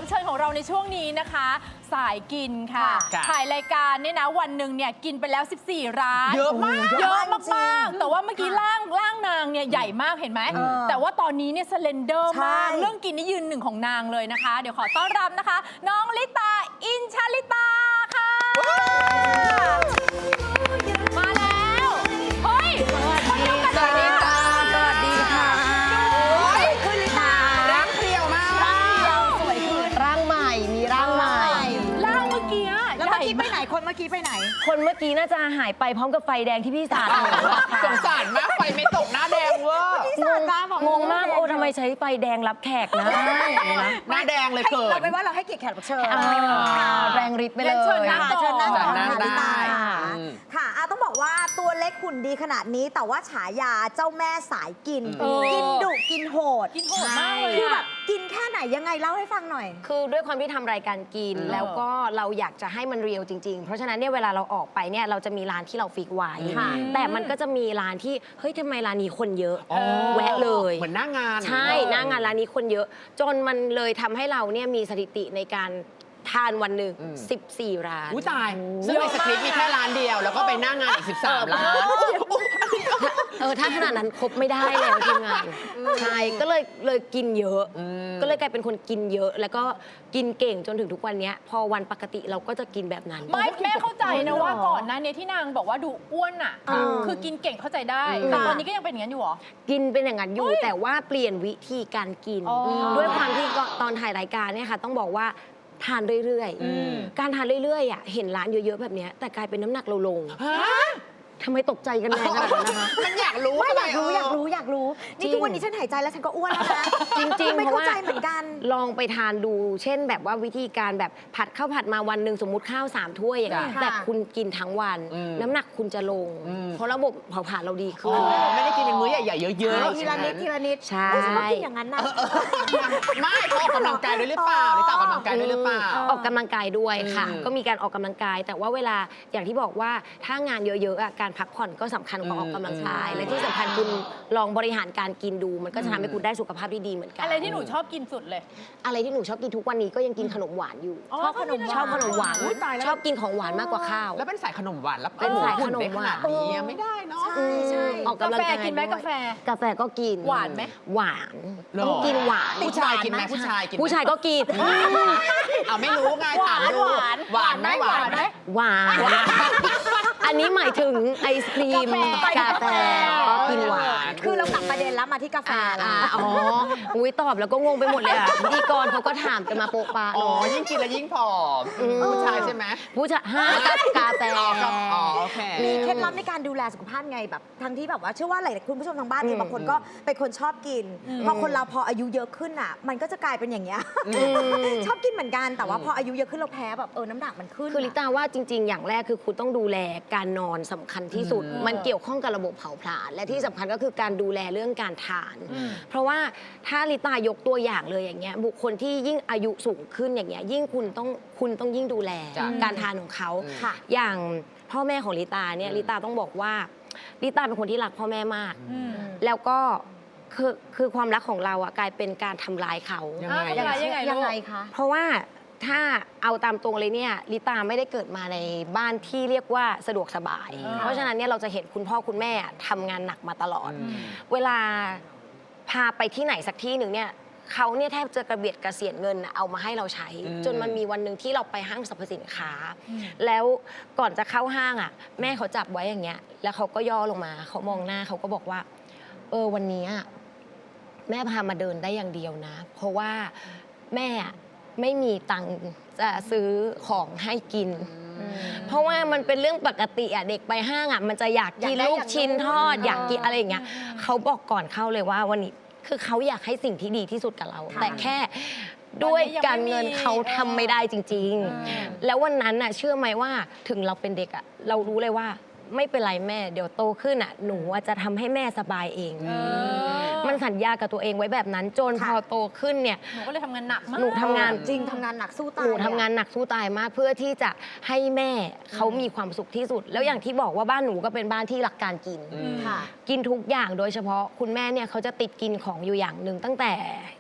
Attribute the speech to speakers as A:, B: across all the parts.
A: รับเชิญของเราในช่วงนี้นะคะสายกินค่ะถ่ายรายการเนี่ยนะวันหนึ่งเนี่ยกินไปแล้ว 14 ร้าน
B: เยอะมาก
A: เยอะมากๆแต่ว่าเมื่อกี้ร่างนางเนี่ยใหญ่มากเห็นไหมแต่ว่าตอนนี้เนี่ยสเลนเดอร์มากเรื่องกินนี่ยืนหนึ่งของนางเลยนะคะ เดี๋ยวขอต้อนรับนะคะ น้องลิตาอินชลิตาค่ะมาแล้วเฮ้ยคนเดียวกันเลยค่ะ
C: สวัสดีค่ะ
B: ขึ้นลิตาร่างเพรียวมาก
C: ร่างเดียวสวยขึ้นร่างใหม่มีร่างใหม่
A: ร่างเมื่อกี้
B: แล้วเมื่อกี้ไปไหนคนเมื่อกี้ไปไหน
C: คนเมื่อกี้น่าจะหายไปพร้อมกับไฟแดงที่พี่สาด
B: สงสารมากไฟไม่ตกหน้าแดงเวอร์
C: งงมากโอ้ทำไมใช้ไฟแดงรับแขกนะ
B: หน้าแดงเลยเกิด
D: เราไปว่าเราให้เกียรติแขกรับเชิญ
C: แรงฤทธิ์ไปเลย
A: เชิญนั่งก่อน
D: เชิญนั่งก่อนค่ะลิตา
B: ค่ะ
D: ต้องบอกว่าตัวเล็กหุ่นดีขนาดนี้แต่ว่าฉายาเจ้าแม่สายกินกินดุกินโหด
A: มากเลย
D: คือแบบกินแค่ไหนยังไงเล่าให้ฟังหน่อย
C: คือด้วยความที่ทำรายการกินแล้วก็เราอยากจะให้มันเรียลจริงๆเพราะฉะนั้นเนี่ยเวลาเราออกไปเนี่ยเราจะมีร้านที่เราฟิกไว้แต่มันก็จะมีร้านที่เฮ้ยทำไมร้านนี้คนเยอะแวะเลย
B: เหมือนหน้างาน
C: ใช่หน้างานร้านนี้คนเยอะจนมันเลยทำให้เราเนี่ยมีสถิติในการทานวันหนึ่ง14 ร้าน
B: อุ้ยตายซึ่งในสคริปต์มีแค่ร้านเดียวแล้วก็ไปหน้างานอีก13 ร้าน
C: ถ้าขนาดนั้นครบไม่ได้แล้วทีมงานใช่ก็เลยกินเยอะก็เลยกลายเป็นคนกินเยอะแล้วก็กินเก่งจนถึงทุกวันนี้พอวันปกติเราก็จะกินแบบนั้น
A: ไม่แม่เข้าใจนะว่าก่อนหน้านี้ที่นางบอกว่าดูอ้วนอ่ะคือกินเก่งเข้าใจได้แต่ตอนนี้ก็ยังเป็นอย่างนั้นอยู่หรอ
C: กินเป็นอย่างนั้นอยู่แต่ว่าเปลี่ยนวิธีการกินด้วยความที่ตอนถ่ายรายการเนี่ยค่ะต้องบอกว่าทานเรื่อยๆการทานเรื่อยๆอ่ะเห็นร้านเยอะๆแบบนี้แต่กลายเป็นน้ำหนักเราลงทำไมตกใจกันแรงขนาดนั้นนะคะ
B: มันอยากรู้
D: อยากรู้นี่ทุกวันนี้ฉันหายใจแล้วฉันก็อ้วนแล้วนะ
C: จริงๆ
D: ไม่เข้าใจเหมือนกัน
C: ลองไปทานดูเช่นแบบว่าวิธีการแบบผัดข้าวผัดมาวันหนึ่งสมมุติข้าว3 ถ้วยอย่างเงี้ยแต่คุณกินทั้งวันน้ำหนักคุณจะลงเพราะระบบเผาผลาญเราดีขึ้น
B: ไม่ได้กินเป็นมื้อใหญ่ๆเยอะ
D: ๆทีละนิด
C: ใช่
D: ฉันก็กินอย่างนั้นนะ
B: ไม่ออกกำลังกายด้วยหรือเปล่านี่ต่ออกกำลังกายด้วยหรือเปล่า
C: ออกกำลังกายด้วยค่ะก็มีการออกกำลังกายแต่ว่าเวลาอย่างที่บอกว่าถ้างานเยอะๆการพักผ่อนก็สำคัญกว่าออกกำลังกายและที่สำคัญคุณลองบริหารการกินดูมันก็จะทำให้คุณได้สุขภาพที่ดีเหมือนกัน
A: อะไรที่หนูชอบกินสุดเลย
C: อะไรที่หนูชอบกินทุกวันนี้ก็ยังกินขนมหวานอยู่
A: ชอบขนม
C: หวานชอบกินของหวานมากกว่าข้าว
B: แล้วเป็นสายขนมหวานแล้ว
C: เป็นสายขนมหวาน
B: ไม่ได้เนาะ
D: ใช่
C: ออกกำลังกาย
A: กินไหมกาแฟ
C: ก็กิน
A: หวานไหม
C: หวานต้องกินหวาน
B: ผู้ชายกินไหมผู้ชาย
C: ก็กิน
B: เอาไม่รู้ไงถามดูหวานไหม
C: หวานอันนี้หมายถึงไอศครีมกาแฟก็กินหวาน
D: คือเรากลับประเด็นแล้วมาที่กาแฟ
C: อุ้ยตอบแล้วก็งงไปหมดเลยอ่ะพิธีกรเขาก็ถามกันมาโปะปะ
B: ยิ่งกินแล้วยิ่งผอมผู้ชายใช่ไหม
C: ผู้ชายกาแฟ
D: มีเคล็ดลับในการดูแลสุขภาพไงแบบทั้งที่แบบว่าเชื่อว่าหลายคุณผู้ชมทางบ้านเองบางคนก็เป็นคนชอบกินพอคนเราพออายุเยอะขึ้นอ่ะมันก็จะกลายเป็นอย่างเงี้ยชอบกินเหมือนกันแต่ว่าพออายุเยอะขึ้นเราแพ้แบบน้ำหนักมันขึ้น
C: คือลิต้าว่าจริงๆอย่างแรกคือคุณต้องดูแลการนอนสำคัญที่สุดมันเกี่ยวข้องกับระบบเผาผลาญและที่สำคัญก็คือการดูแลเรื่องการทานเพราะว่าถ้าลิต้ายกตัวอย่างเลยอย่างเงี้ยบุคคลที่ยิ่งอายุสูงขึ้นอย่างเงี้ยยิ่งคุณต้องยิ่งดูแลการทานของเขาอย่างพ่อแม่ของลิต้าเนี่ยลิต้าต้องบอกว่าลิต้าเป็นคนที่รักพ่อแม่มากแล้วก็คือความรักของเราอะกลายเป็นการทำร้ายเขา
A: ยังไง
D: คะ
C: เพราะว่าถ้าเอาตามตรงเลยเนี่ยลิตาไม่ได้เกิดมาในบ้านที่เรียกว่าสะดวกสบายเพราะฉะนั้นเนี่ยเราจะเห็นคุณพ่อคุณแม่ทำงานหนักมาตลอดเวลาพาไปที่ไหนสักที่หนึ่งเนี่ยเขาเนี่ยแทบจะกระเบียดกระเสียนเงินเอามาให้เราใช้จนมันมีวันหนึ่งที่เราไปห้างสรรพสินค้าแล้วก่อนจะเข้าห้างอ่ะแม่เขาจับไว้อย่างเงี้ยแล้วเขาก็ย่อลงมาเขามองหน้าเขาก็บอกว่าวันนี้แม่พามาเดินได้อย่างเดียวนะเพราะว่าแม่ไม่มีตังค์จะซื้อของให้กินเพราะว่ามันเป็นเรื่องปกติเด็กไปห้างมันจะอยากกินลูกชิ้นทอดอยากกินอะไรอย่างเงี้ยเขาบอกก่อนเข้าเลยว่าวันนี้คือเขาอยากให้สิ่งที่ดีที่สุดกับเราแต่แค่ด้วยการเงินเขาทำไม่ได้จริงๆแล้ววันนั้นเชื่อไหมว่าถึงเราเป็นเด็กเรารู้เลยว่าไม่เป็นไรแม่เดี๋ยวโตขึ้นหนูจะทำให้แม่สบายเองมันสัญญากับตัวเองไว้แบบนั้น จนพอโตขึ้นเนี่ย
A: หนูก็เลยทำงานหนักมาก
C: หนูทำงาน
D: จริงทำงานหนักสู้ตาย
C: หนูทำงานหนักสู้ตายมากเพื่อที่จะให้แม่เขามีความสุขที่สุด แล้วอย่างที่บอกว่าบ้านหนูก็เป็นบ้านที่รักการกิน
D: ค่ะ
C: กินทุกอย่างโดยเฉพาะคุณแม่เนี่ยเขาจะติดกินของอยู่อย่างหนึ่งตั้งแต่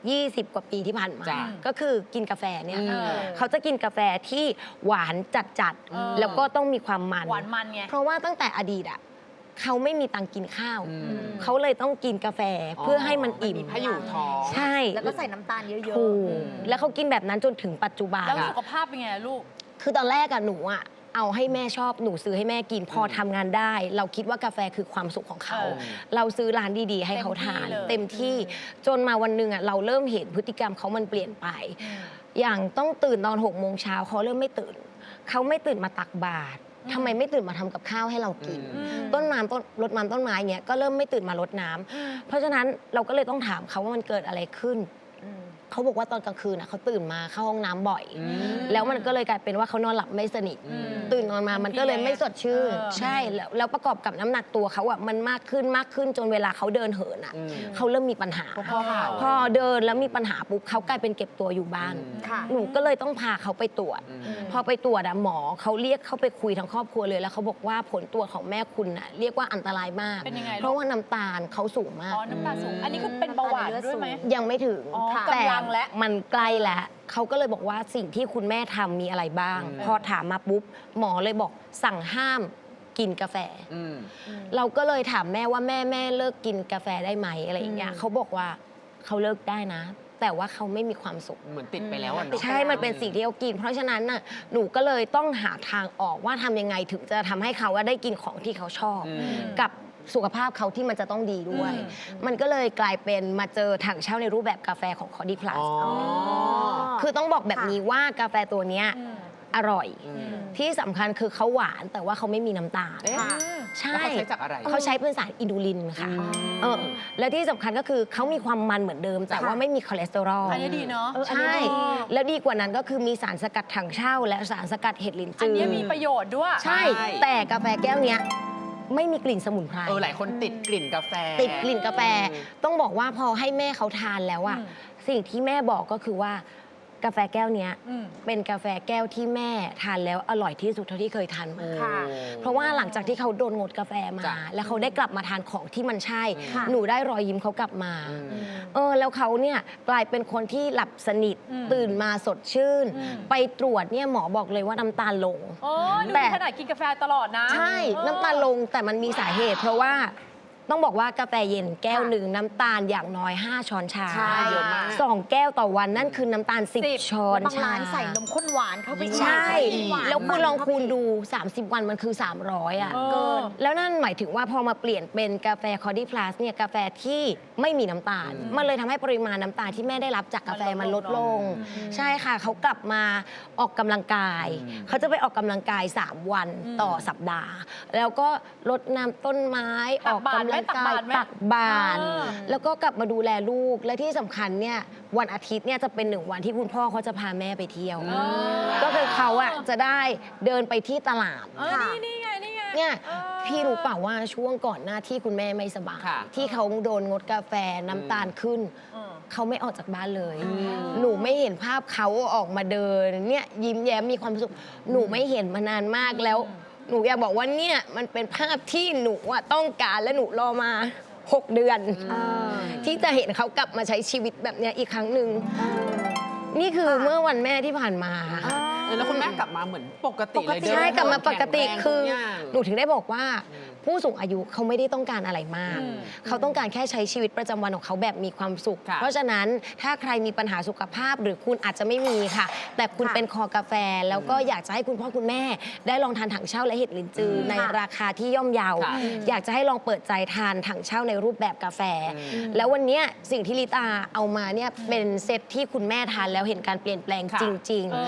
C: 20 กว่าปีที่ผ่านมา
B: จ้ะ
C: ก็คือกินกาแฟเนี่ย
A: เออ
C: เขาจะกินกาแฟที่หวานจัด
A: เออ
C: ๆแล้วก็ต้องมีความมัน
A: หวานมันไง
C: เพราะว่าตั้งแต่อดีตอ่ะเขาไม่มีตังค์กินข้าว
B: อืม
C: เขาเลยต้องกินกาแฟเพื่อให้มันอิ่ม
B: พายุท้อง
C: ใช่
D: แล้วก็ใส่น้ำตาลเยอะ
C: ถูกแล้วเขากินแบบนั้นจนถึงปัจจุบัน
A: แล้ว
C: อะ
A: สุขภาพเป็นไงลูก
C: คือตอนแรกอะหนูอะเอาให้แม่ชอบหนูซื้อให้แม่กินพอทำงานได้ เราคิดว่ากาแฟคือความสุขของเขา
A: เออ
C: เราซื้อร้านดีๆ ให้เขาทาน
A: เต็มที่
C: เต็มที่จนมาวันหนึ่งอะเราเริ่มเห็นพฤติกรรมเขามันเปลี่ยนไป อย่างต้องตื่นตอน6 โมงเช้าเขาเริ่มไม่ตื่นเขาไม่ตื่นมาตักบาตรทำไมไม่ตื่นมาทำกับข้าวให้เรากิน ต้นน้ำต้นรดน้ำต้นไม้เงี้ยก็เริ่มไม่ตื่นมารดน้ำเพราะฉะนั้นเราก็เลยต้องถามเขาว่ามันเกิดอะไรขึ้น เขาบอกว่าตอนกลางคืนเขาตื่นมาเข้าห้องน้ำบ่อย แล้วมันก็เลยกลายเป็นว่าเขานอนหลับไม่สนิท ตื่นนอนมามันก็เลยไม่สดชื่น ใช่แล้วประกอบกับน้ำหนักตัวเขาอ่ะมันมากขึ้นจนเวลาเขาเดินเหินอ่ะเขาเริ่มมีปัญหา
B: ข้อเข่า
C: พอเดินแล้วมีปัญหาปุ๊บเขากลายเป็นเก็บตัวอยู่บ้าน
D: ค่ะ
C: หนูก็เลยต้องพาเขาไปตรวจ พอไปตรวจอะหมอเขาเรียกเขาไปคุยทั้งครอบครัวเลยแล้วเขาบอกว่าผลตรวจของแม่คุณน่ะเรียกว่าอันตรายมาก
A: เป็นยังไงลูก
C: เพราะว่าน้ำตาลเขาสูงมาก
A: อ๋อ น้ำตาลสูง อันนี้คือเป็นเบาหวานด้วยไหม
C: ยังไม่ถึง
A: อ๋อ
C: แต่
A: กำลังแล้ว
C: มันใกล้แล้วเขาก็เลยบอกว่าสิ่งที่คุณแม่ทำมีอะไรบ้าง พอถามมาปุ๊บหมอเลยบอกสั่งห้ามกินกาแฟ เราก็เลยถามแม่ว่าแม่เลิกกินกาแฟได้ไหมอะไรอย่างเงี้ยเขาบอกว่าเขาเลิกได้นะ แต่ว่าเขาไม่มีความสุข
B: เหมือนติดไปแล้วอ่ะเนาะ
C: ใช่ มันเป็นสิ่งที่เขากิน เพราะฉะนั้นน่ะ หนูก็เลยต้องหาทางออกว่าทำยังไงถึงจะทำให้เขาว่าได้กินของที่เขาชอบ กับสุขภาพเขาที่มันจะต้องดีด้วย มันก็เลยกลายเป็นมาเจอถังเช่าในรูปแบบกาแฟของ Cody Plus คือต้องบอกแบบนี้ว่ากาแฟตัวเนี้ยอร่อย ที่สำคัญคือเขาหวานแต่ว่าเขาไม่มีน้ำตาล
B: ค่ะ
C: ใช่
B: แล้วเขาใช้จากอะไร
C: เขาใช้เป็นสารอินูลินค่ะและที่สำคัญก็คือเขามีความมันเหมือนเดิม แต่ว่าไม่มีคอเลสเตอรอล
A: อันนี้ดีเนาะ
C: ใช่ แล้วดีกว่านั้นก็คือมีสารสกัดถังเช่า และสารสกัดเห็ดลิน
A: อัน
C: จือ
A: นี้มีประโยชน์ด้วย
C: ใช่ แต่กาแฟแก้วเนี้ยไม่มีกลิ่นสมุนไพร
B: หลายคนติดกลิ่นกาแฟ
C: ติดกลิ่นกาแฟ ต้องบอกว่าพอให้แม่เขาทานแล้วอะสิ่งที่แม่บอกก็คือว่ากาแฟแก้วเนี้ยเป็นกาแฟแก้วที่แม่ทานแล้วอร่อยที่สุดเท่าที่เคยทานมา
D: ค่ะ
C: เพราะว่าหลังจากที่เขาโดนงดกาแฟมา
B: จ้ะ
C: แล้วเขาได้กลับมาทานของที่มันใช่
D: ค่ะ
C: หนูได้รอยยิ้มเขากลับมา แล้วเขาเนี่ยกลายเป็นคนที่หลับสนิท ตื่นมาสดชื่น ไปตรวจเนี่ยหมอบอกเลยว่าน้ำตาลลง
A: โอ้ยดู
C: แต่
A: ขนาดกินกาแฟตลอดนะ
C: ใช่ น้ำตาลลงแต่มันมีสาเหตุ เพราะว่าต้องบอกว่ากาแฟเย็นแก้วหนึ่งน้ำตาลอย่างน้อย 5 ช้อนชา
D: ใช่
B: เยอะมาก
C: 2 แก้วต่อวันนั่นคือน้ำตาล 10 ช้อน
D: บาง
C: ชา
D: ร้านใส่นมข้นหวานเข้าไป
C: ใช่
D: หวาน
C: แล้วคุณลองคูณ
D: เข้าไป
C: ดู 30 วันมันคือ 300อ่ะ
A: เกิน
C: แล้วนั่นหมายถึงว่าพอมาเปลี่ยนเป็นกาแฟ Cody Plus เนี่ยกาแฟที่ไม่มีน้ำตาล มันเลยทำให้ปริมาณน้ำตาลที่แม่ได้รับจากกาแฟมันลดลง ใช่ค่ะเขากลับมาออกกำลังกาย เขาจะไปออกกำลังกาย 3 วันต่อสัปดาห์ แล้วก็รดน้ำต้นไม้ออกกำลังกายตักบาตรแล้วก็กลับมาดูแลลูกและที่สำคัญเนี่ยวันอาทิตย์เนี่ยจะเป็น1 วันที่คุณพ่อเขาจะพาแม่ไปเที่ยว ก็คือเขาอะจะได้เดินไปที่ตลาด
A: นี่ไง
C: เนี่ยพี่รู้เปล่าว่าช่วงก่อนหน้าที่คุณแม่ไม่สบาย
B: ค่ะ
C: ที่เขาโดนงดกาแฟน้ำตาลขึ้น เขาไม่ออกจากบ้านเลย หนูไม่เห็นภาพเขาออกมาเดินเนี่ยยิ้มแย้มมีความสุขหนูไม่เห็นมานานมากแล้ว หนูอยากบอกว่าเนี่ยมันเป็นภาพที่หนูอะต้องการและหนูรอมา 6 เดือน ที่จะเห็นเขากลับมาใช้ชีวิตแบบเนี้ยอีกครั้งหนึ่งนี่คือเมื่อวันแม่ที่ผ่านมา
B: แล้วคุณแม่กลับมาเหมือนปกติเลยเดิน
C: ใช่กลับมาปกติ
B: แข็งแรง
C: คือ
B: ทุกอย่าง
C: หนูถึงได้บอกว่าผู้สูงอายุเขาไม่ได้ต้องการอะไรมาก เขาต้องการแค่ใช้ชีวิตประจำวันของเขาแบบมีความสุข
B: ค่ะ
C: เพราะฉะนั้นถ้าใครมีปัญหาสุขภาพหรือคุณอาจจะไม่มีค่ะ แต่คุณเป็นคอกาแฟ แล้วก็อยากจะให้คุณพ่อคุณแม่ ได้ลองทานถังเช่าและเห็ดลินจือในราคาที่ย่อมเยา
B: ค่ะ
C: อยากจะให้ลองเปิดใจทานถังเช่าในรูปแบบกาแฟ แล้ววันเนี้ยสิ่งที่ลิตาเอามาเนี่ยเป็นเซตที่คุณแม่ทานแล้วเห็นการเปลี่ยนแปลง
B: ค่ะ
C: จริง ๆ